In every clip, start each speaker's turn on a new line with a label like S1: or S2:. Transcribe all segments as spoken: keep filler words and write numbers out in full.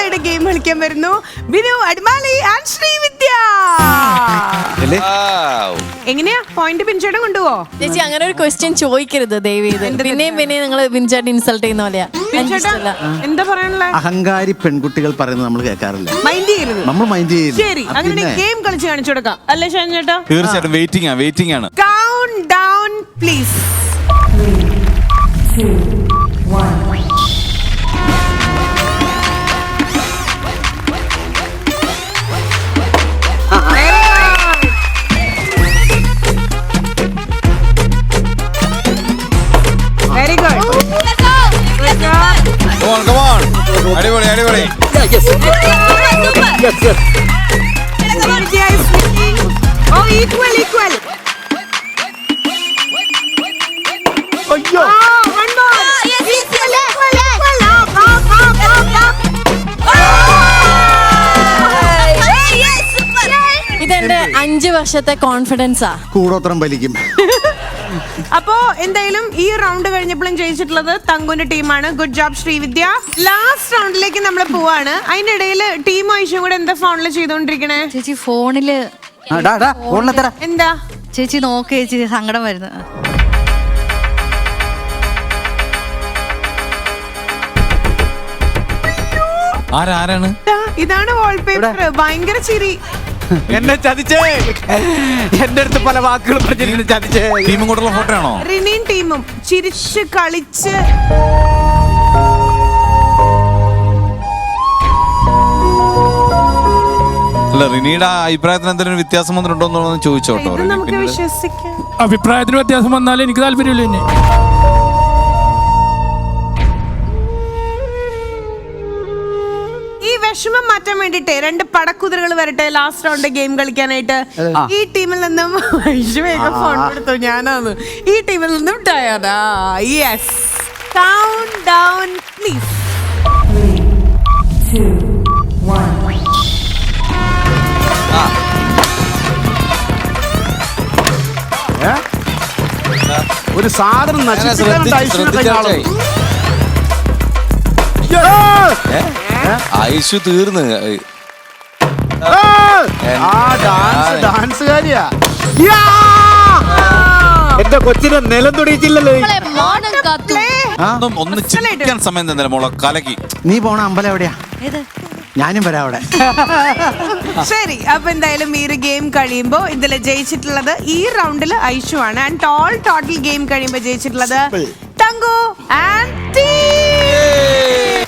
S1: അടുത്തതായിട്ട് ഗെയിം കളിക്കാൻ വരുന്നു ബിനു അടിമാലി ആൻഡ് ശ്രീവിദ്യ. എങ്ങനെയാ പോയിന്റ് ബിൻചേട്ടൻ കൊണ്ടുപോവോ?
S2: ചേച്ചി അങ്ങനെ ഒരു ക്വസ്റ്റ്യൻ ചോദിക്കരുത് ദയവ് ചെയ്ത്. പിന്നെയും പിന്നെ നിങ്ങൾ ബിൻചേട്ടൻ ഇൻസൾട്ട് ചെയ്യുന്ന പോലെയാ.
S1: എന്താ പറയാനുള്ള?
S3: അഹങ്കാരി പെൺകുട്ടികൾ പറയുന്നത് നമ്മൾ കേൾക്കാറില്ല,
S1: മൈൻഡ് ചെയ്യരുത്,
S3: നമ്മൾ മൈൻഡ് ചെയ്യില്ല.
S1: ശരി, അങ്ങനെ ഗെയിം കളിച്ച് കാണിച്ചു കൊടുക്കാം അല്ലേ ഷാൻ ചേട്ടാ?
S4: തീർച്ചയായിട്ടും വെയിറ്റിംഗ് ആണ്, വെയിറ്റിംഗ് ആണ്.
S1: Count down please. Very good.
S4: Come on, come on. അടിപൊളി അടിപൊളി.
S1: Oh, equal, equal.
S3: അയ്യോ,
S1: One more.
S2: Yes,
S1: Equal, equal, equal. Up, up, up, up, up.
S2: ഇതെന്റെ അഞ്ചു വർഷത്തെ കോൺഫിഡൻസാ.
S3: കൂടോത്രം വലിക്കും.
S1: അപ്പോ എന്തായാലും ഈ റൗണ്ട് കഴിഞ്ഞപ്പോഴും ജയിച്ചിട്ടുള്ളത് തങ്കുന്റെ ടീമാണ്. Good job Srividya. ലാസ്റ്റ് റൗണ്ടിലേക്ക് നമ്മൾ പോവാണ്. അതിനിടയിൽ ടീം ആയിഷും കൂടെ എന്താ ഫോണില് ചെയ്തോണ്ടിരിക്കണേ?
S5: ചേച്ചി ഫോണില്
S1: എന്താ
S5: ചേച്ചി നോക്ക് ചേച്ചി, സങ്കടം വരുന്നു.
S4: ആരാരാണ്?
S1: ഇതാണ് വാൾപേപ്പർ. ഭയങ്കര ചിരി.
S6: എന്നെ ചതിച്ചേ, എന്റെ അടുത്ത് പല വാക്കുകൾ പറഞ്ഞിരിക്കുന്നു. ചതിച്ചേ.
S4: ടീമും കൂടെയുള്ള ഫോട്ടോ ആണോ?
S1: റിനിയും ടീമും ചിരിച്ച് കളിച്ച്
S4: അല്ല, റിനിയുടെ അഭിപ്രായത്തിന് എന്തെങ്കിലും വ്യത്യാസം വന്നിട്ടുണ്ടോ എന്ന് ചോദിച്ചോട്ടോ.
S1: ഇത് നമുക്ക് വിശ്വസിക്കാം.
S7: അഭിപ്രായത്തിന് വ്യത്യാസം വന്നാലും എനിക്ക് താല്പര്യമില്ല. എന്നെ
S1: ഈ വിഷമം മാറ്റാൻ വേണ്ടിട്ട് രണ്ട് പടക്കുതിരകൾ വരട്ടെ ലാസ്റ്റ് റൗണ്ട് ഗെയിം കളിക്കാനായിട്ട്. ഈ ടീമിൽ നിന്നും വേഗം ഫോൺ കൊടുത്തു, ഞാനാണ്. ഈ ടീമിൽ നിന്നും Diana. Yes, count down please.
S6: ഒരു സാധനം
S4: ഐശു തീർന്ന്.
S6: ഡാൻസുകാരിയാ. എന്റെ കൊച്ചിനെ നിലം തൊടിയിച്ചില്ലല്ലോ.
S4: ഒന്ന് ചിരിക്കാൻ സമയം തന്നെ മോളെ കലക്കി.
S3: നീ പോണ അമ്പലം എവിടെയാ? ഞാനും വരാം അവിടെ.
S1: ശരി, അപ്പൊ എന്തായാലും ഈ ഒരു ഗെയിം കഴിയുമ്പോ ഇതിൽ ജയിച്ചിട്ടുള്ളത് ഈ റൗണ്ടിൽ ഐഷു ആണ്. ആൻഡ് ഓൾ ടോട്ടൽ ഗെയിം കഴിയുമ്പോ ജയിച്ചിട്ടുള്ളത് തങ്കു ആൻഡ് ടീം.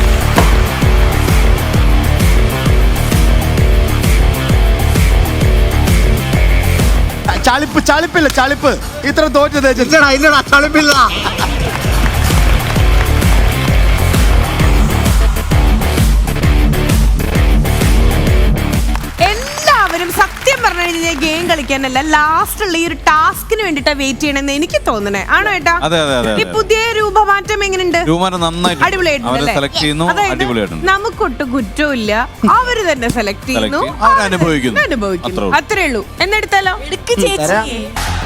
S6: ചളിപ്പ് ചളിപ്പില്ല, ചളിപ്പ്. ഇത്ര തോറ്റത് ചളിപ്പില്ല.
S1: എല്ലാവരും സത്യം പറഞ്ഞു കഴിഞ്ഞാൽ ഗെയിം കളിക്കാനല്ല, ലാസ്റ്റ് ഉള്ള ഈ ഒരു ടാസ്കിന് വേണ്ടിട്ടാ വെയിറ്റ് ചെയ്യണമെന്ന് എനിക്ക് തോന്നണേ. ആണോ ഏട്ടാ? ഈ പുതിയ രൂപമാറ്റം എങ്ങനെയുണ്ട്? അടിപൊളിയായിട്ടുണ്ട്. നമുക്കൊട്ടും കുറ്റമില്ല, അവര് തന്നെ സെലക്ട് ചെയ്യുന്നു, അനുഭവിക്കുന്നു. അത്രേ ഉള്ളൂ. എന്നെടുത്താലോ?
S2: ചേച്ചി